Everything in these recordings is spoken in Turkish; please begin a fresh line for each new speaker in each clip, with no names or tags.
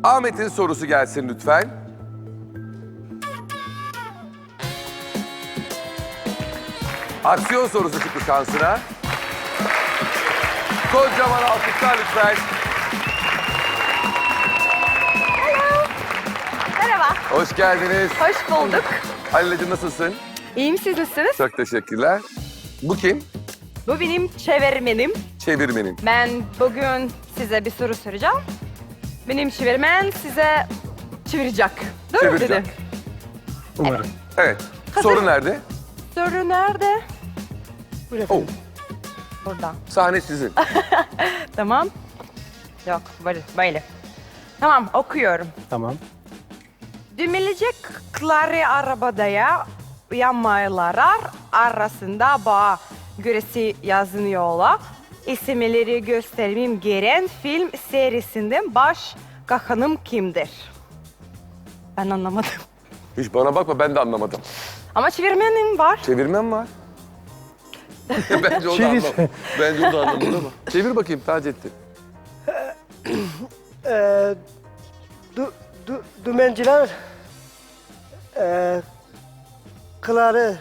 Ahmet'in sorusu gelsin lütfen. Aksiyon sorusu çıktı şansına. Kocaman alkışlar lütfen.
Merhaba.
Hoş geldiniz.
Hoş bulduk.
Halil'cim nasılsın?
İyiyim, siz nasılsınız?
Çok teşekkürler. Bu kim?
Bu benim çevirmenim.
Çevirmenin.
Ben bugün size bir soru soracağım. Benim çevirmen size çevirecek. Doğru mu
Çevirecek.
dedim?
Umarım.
Evet. Soru nerede?
Soru nerede?
Oh,
Burada.
sahne sizin.
Tamam. Yok, böyle. Tamam, okuyorum.
Tamam.
Dümelecekleri arabadaya yanmalar arasında bağ göresi yazılıyorlar. İsimleri göstermem gereken film serisinden baş kahramanım kimdir? Ben anlamadım.
Hiç bana bakma, ben de anlamadım.
Ama çevirmenim var.
Çevirmem var. Bence o da
Çevir.
anlamadı. Bence o da anlamadı ama. Çevir bakayım Taceddin.
Dümenciler kıları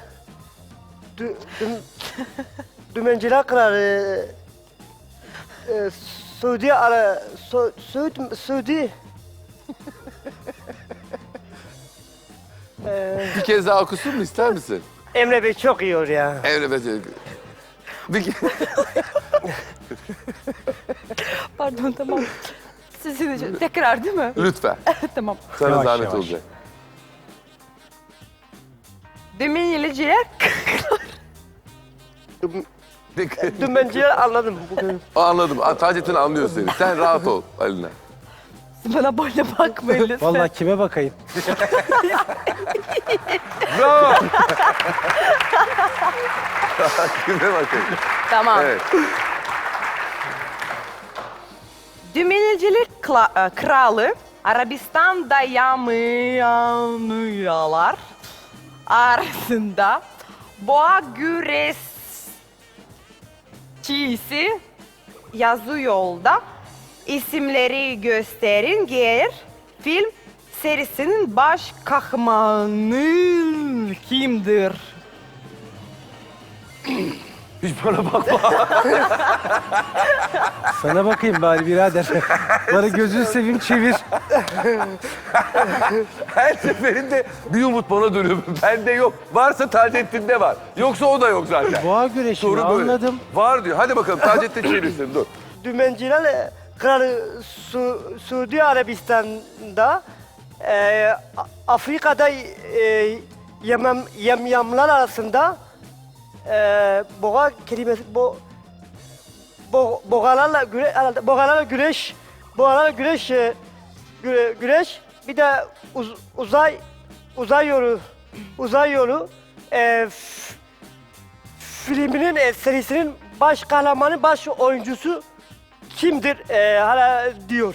dümenciler kıları Suudi
Bir kez daha okusun mu, ister misin?
Emre Bey çok iyi olur ya.
Evet. Bir
Pardon, tamam. Sizin için tekrar değil mi?
Lütfen.
Tamam.
Sana
Yavaş,
zahmet
yavaş.
olacak.
Dümeniciler
Dümenciler anladım bugün.
Anladım. Taceddin anlıyor seni. Sen rahat ol Haline.
bana böyle bakmayın lütfen.
Vallahi kime bakayım?
Bravo. Kime bakayım.
Tamam.
Evet.
Dümenicilik kralı Arabistan'da yanmayanlar arasında boğa güreşçisi yazıyorda isimleri gösterin gelir. Film serisinin baş kahramanı kimdir?
Hiç bana bakma.
Sana bakayım bari birader. Bana gözünü seveyim çevir.
Her seferinde bir umut bana dönüyor. Bende yok. Varsa Taceddin'de var. Yoksa o da yok zaten.
Boğa güreşi
Soru böyle.
anladım.
Var diyor. Hadi bakalım Taceddin çevirsin. Dur.
Dümenciler kralı Suudi Arabistan'da Afrika'da yamyamlar arasında boğa kelimesi boğalarla güreş bir de uzay yolu filminin serisinin baş kahramanı baş oyuncusu kimdir hala diyor.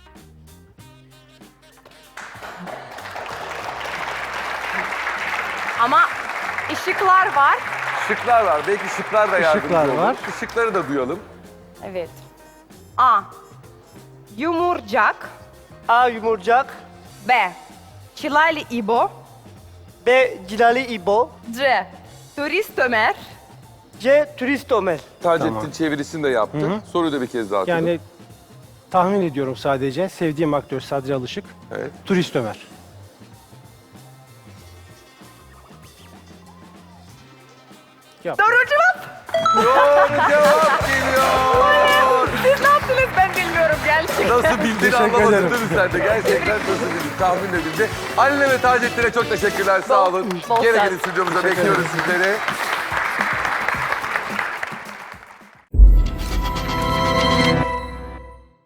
Ama ışıklar var.
Şıklar var. Belki şıklar da yardımcı
Işıklar
olur.
var.
Şıkları da duyalım.
Evet. A. Yumurcak.
A. Yumurcak,
B. Çilali İbo.
B. Cilali İbo,
C. Turist Ömer.
C. Turist Ömer.
Taceddin
Tamam.
çevirisini de yaptı. Soruyu da bir kez daha okudum.
Yani tahmin ediyorum sadece. Sevdiğim aktör Sadri Alışık.
Evet.
Turist Ömer. Yap.
Doğru cevap.
Doğru cevap geliyor.
Siz ne yaptınız ben bilmiyorum gerçekten.
Nasıl bildiğini
Teşekkür
anlamadın
ederim.
değil mi sen de? Gerçekten nasıl bildin? Tahmin edildi. Haline ve Taceddin'e çok teşekkürler. Sağ olun.
bol
Gene
şans.
gelin stüdyomuza bekliyoruz sizleri.